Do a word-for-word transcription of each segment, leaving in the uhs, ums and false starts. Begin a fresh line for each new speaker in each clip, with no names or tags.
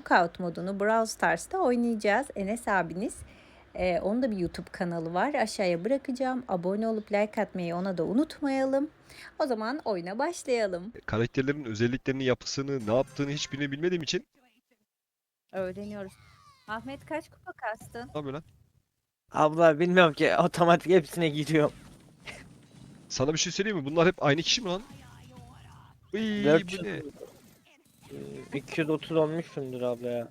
Knockout modunu Brawl Stars'ta oynayacağız. Enes abiniz. Ee, onun da bir YouTube kanalı var. Aşağıya bırakacağım. Abone olup like atmayı ona da unutmayalım. O zaman oyuna başlayalım.
Karakterlerin özelliklerini, yapısını, ne yaptığını hiçbirini bilmediğim için
Öğreniyoruz. Ahmet kaç kupa kastın?
ne yapıyor lan?
Abla bilmiyorum ki otomatik hepsine giriyorum.
Sana bir şey söyleyeyim mi? Bunlar hep aynı kişi mi lan? Iy, bu
dört yüz
ne?
e, iki yüz otuz olmuşsundur abla ya.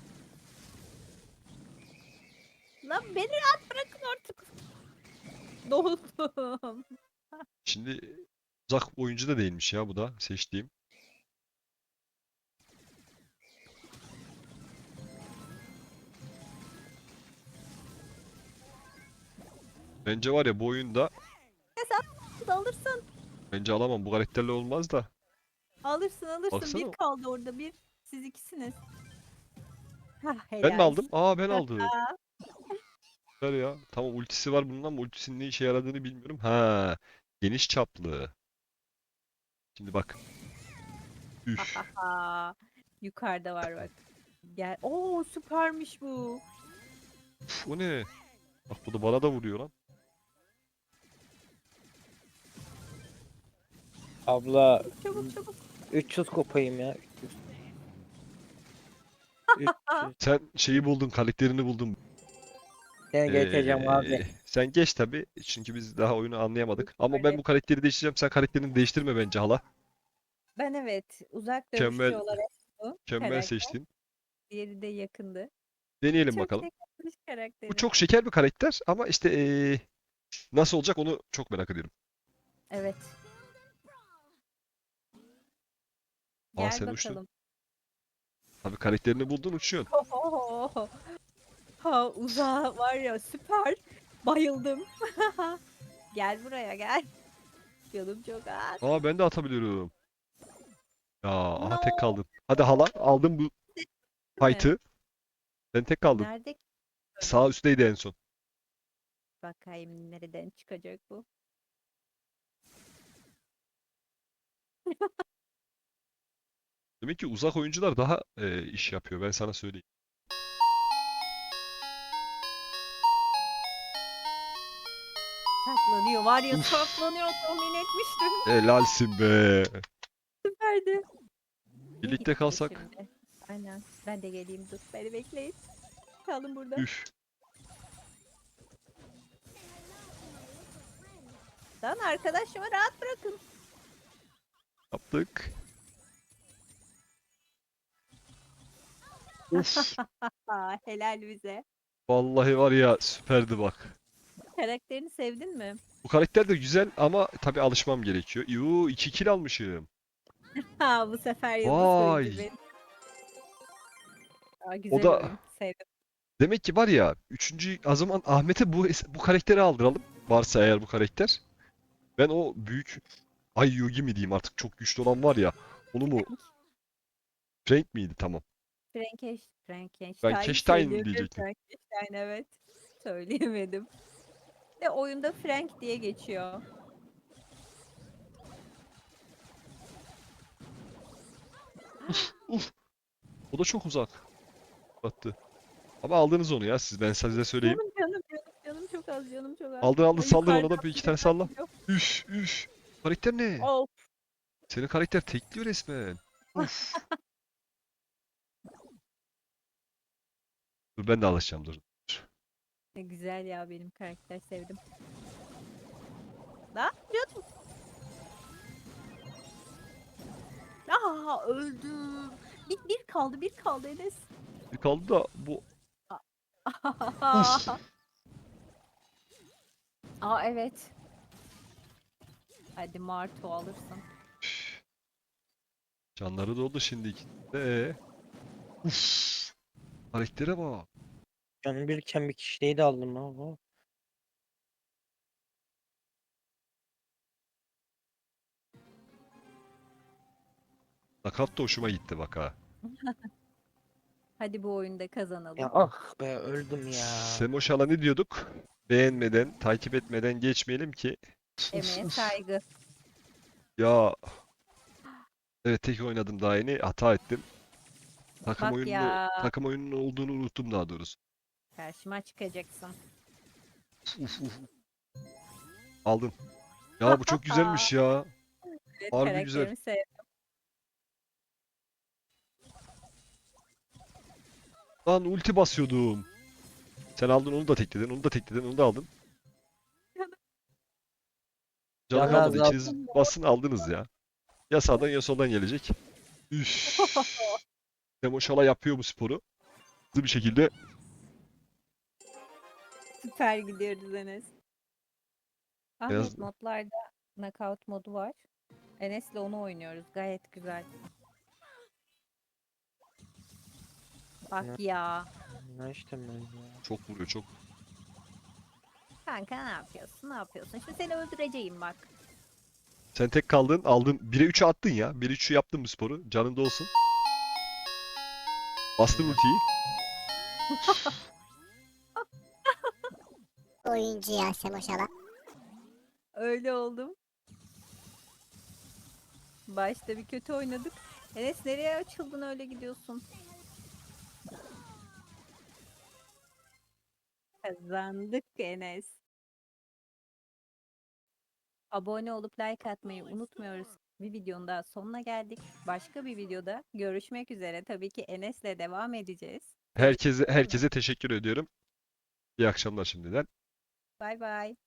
Lan beni rahat bırakın artık. Doldum.
Şimdi uzak oyuncu da değilmiş ya bu da seçtiğim. Bence var ya bu oyunda
Sen alırsın.
bence alamam. Bu karakterle olmaz da.
Alırsın alırsın. Bir
Baksana.
kaldı orada bir. Siz ikisiniz. Hah
Ben mi
helal.
aldım? Aa ben aldım. Ver ya. Tamam ultisi var bunun ama ultisinin ne işe yaradığını bilmiyorum. Ha, geniş çaplı. Şimdi bak. Üf.
Aa, yukarıda var bak. Gel. Oo süpermiş bu.
Uf, o ne? Bak bu da bana da vuruyor lan.
Abla
Çabuk çabuk.
üç yüz kopayım ya. üç yüz.
Sen şeyi buldun, karakterini buldun.
Seni geçeceğim
Ee,
abi.
sen geç tabii. Çünkü biz daha oyunu anlayamadık. Ama ben
Öyle.
bu karakteri değiştireceğim. Sen karakterini değiştirme bence hala.
Ben evet uzak dövüşçü
Mükemmel,
olarak bu
mükemmel
karakter.
seçtin.
Diğeri de yakındı.
Deneyelim
Çok
bakalım.
şekermiş
Bu
karakterim.
çok şeker bir karakter ama işte ee, nasıl olacak onu çok merak ediyorum.
Evet.
Aa
Gel
sen uçtun.
bakalım.
Tabii karakterini buldun uçuyorsun.
Ohohoho. Ha uzağa var ya süper. Bayıldım. Gel buraya gel. Canım çok az.
Aa ben de atabiliyorum. Ya aha tek
No.
kaldın. Hadi hala aldım bu
Mi?
fight'ı. Sen tek kaldın.
Nerede ki
Sağ
böyle?
üstteydi en son.
Bakayım nereden çıkacak bu?
Demek ki uzak oyuncular daha ee, iş yapıyor. Ben sana söyleyeyim.
Saklanıyor var ya
Uf,
saklanıyor tahmin etmiştim.
helalsin be.
Süperdi. Niye
Birlikte
gitmedi
kalsak.
şimdi? Aynen. Ben de geleyim dur. Beni bekleyin. Kalın burada.
Üf.
Lan arkadaşımı rahat bırakın.
Yaptık. Uf.
Aa, helal bize.
Vallahi var ya süperdi bak.
Karakterini sevdin mi?
Bu karakter de güzel ama tabii alışmam gerekiyor. Yuu iki kill almışım.
Ha bu sefer yıldız oyuncu
Vay.
benim. Aa,
O
güzel
da
oyun. Sevdim.
demek ki var ya üçüncü o zaman Ahmet'e bu bu karakteri aldıralım. Varsa eğer bu karakter. Ben o büyük Ay Yugi mi diyeyim artık çok güçlü olan var ya. Onu mu?
Frank.
Frank miydi? Tamam.
Frankenstein.
Ben
Frankenstein
Keştayn
söyleyemiyorum.
diyecektim.
Frankenstein evet. Söyleyemedim. De oyunda Frank diye geçiyor.
Uf uf. O da çok uzak. Battı. Ama aldınız onu ya siz ben size söyleyeyim.
Canım canım canım canım çok az canım çok az.
Aldın aldın
O
saldır ona
yukarıdan
da bir iki
bir de
tane
ben
salla.
gidiyorum.
Üf üf. Karakter ne?
Of.
Senin karakter tekliyor resmen. Uf. Dur ben de alışacağım dur.
Ne güzel ya benim karakter sevdim. Lan canım. Aa öldüm. Bir, bir kaldı bir kaldı Enes.
Bir kaldı da bu. Uf.
Aa evet. Hadi Martu alırsın.
Canları doldu şimdi ikisinde. Ee? Uf. Karaktere bak.
Canım birken bir kişiyi de aldım abi.
Nakat da hoşuma gitti bak ha.
Hadi bu oyunda
Ya
kazanalım.
ah be öldüm ya.
Semoşal'a ne diyorduk? Beğenmeden, takip etmeden geçmeyelim ki. Uf
Emeğe
uf.
saygı.
Ya evet tek oynadım daha yeni hata ettim. Takım
Bak
oyununu
ya.
takım oyununun olduğunu unuttum daha doğrusu.
Karşıma çıkacaksın.
Uf uf. Aldın. Ya bu çok güzelmiş ya.
Evet,
Harbi güzel.
karakterimi sevdim.
Lan ulti basıyordum. Sen aldın onu da tekledin, onu da tekledin, onu da aldın. Canı
Canı
kalmadı.
azaldı.
İkiniz basın aldınız ya. Ya sağdan ya soldan gelecek. Üff. Demoşala yapıyor bu sporu. Hızlı bir şekilde.
Süper gidiyoruz Enes.
Beyaz...
Ahmet modlarda knockout modu var. Enes'le onu oynuyoruz. Gayet güzel. Bak ya.
Ne işte ben ya.
Çok vuruyor çok.
Kanka ne yapıyorsun? Ne yapıyorsun? Şimdi seni öldüreceğim bak.
Sen tek kaldın, aldın. bire üçe attın ya. bire üçü yaptın bu sporu. Canında olsun. Bastın ultiyi.
Oyuncu ya Semoşala.
Öyle oldum. Başta bir kötü oynadık. Enes nereye açıldın öyle gidiyorsun? Kazandık Enes. Abone olup like atmayı unutmuyoruz. Bir videonun daha sonuna geldik. Başka bir videoda görüşmek üzere. Tabii ki Enes'le devam edeceğiz.
Herkese
Görüşmek üzere.
herkese teşekkür ediyorum. İyi akşamlar şimdiden.
Bay bay.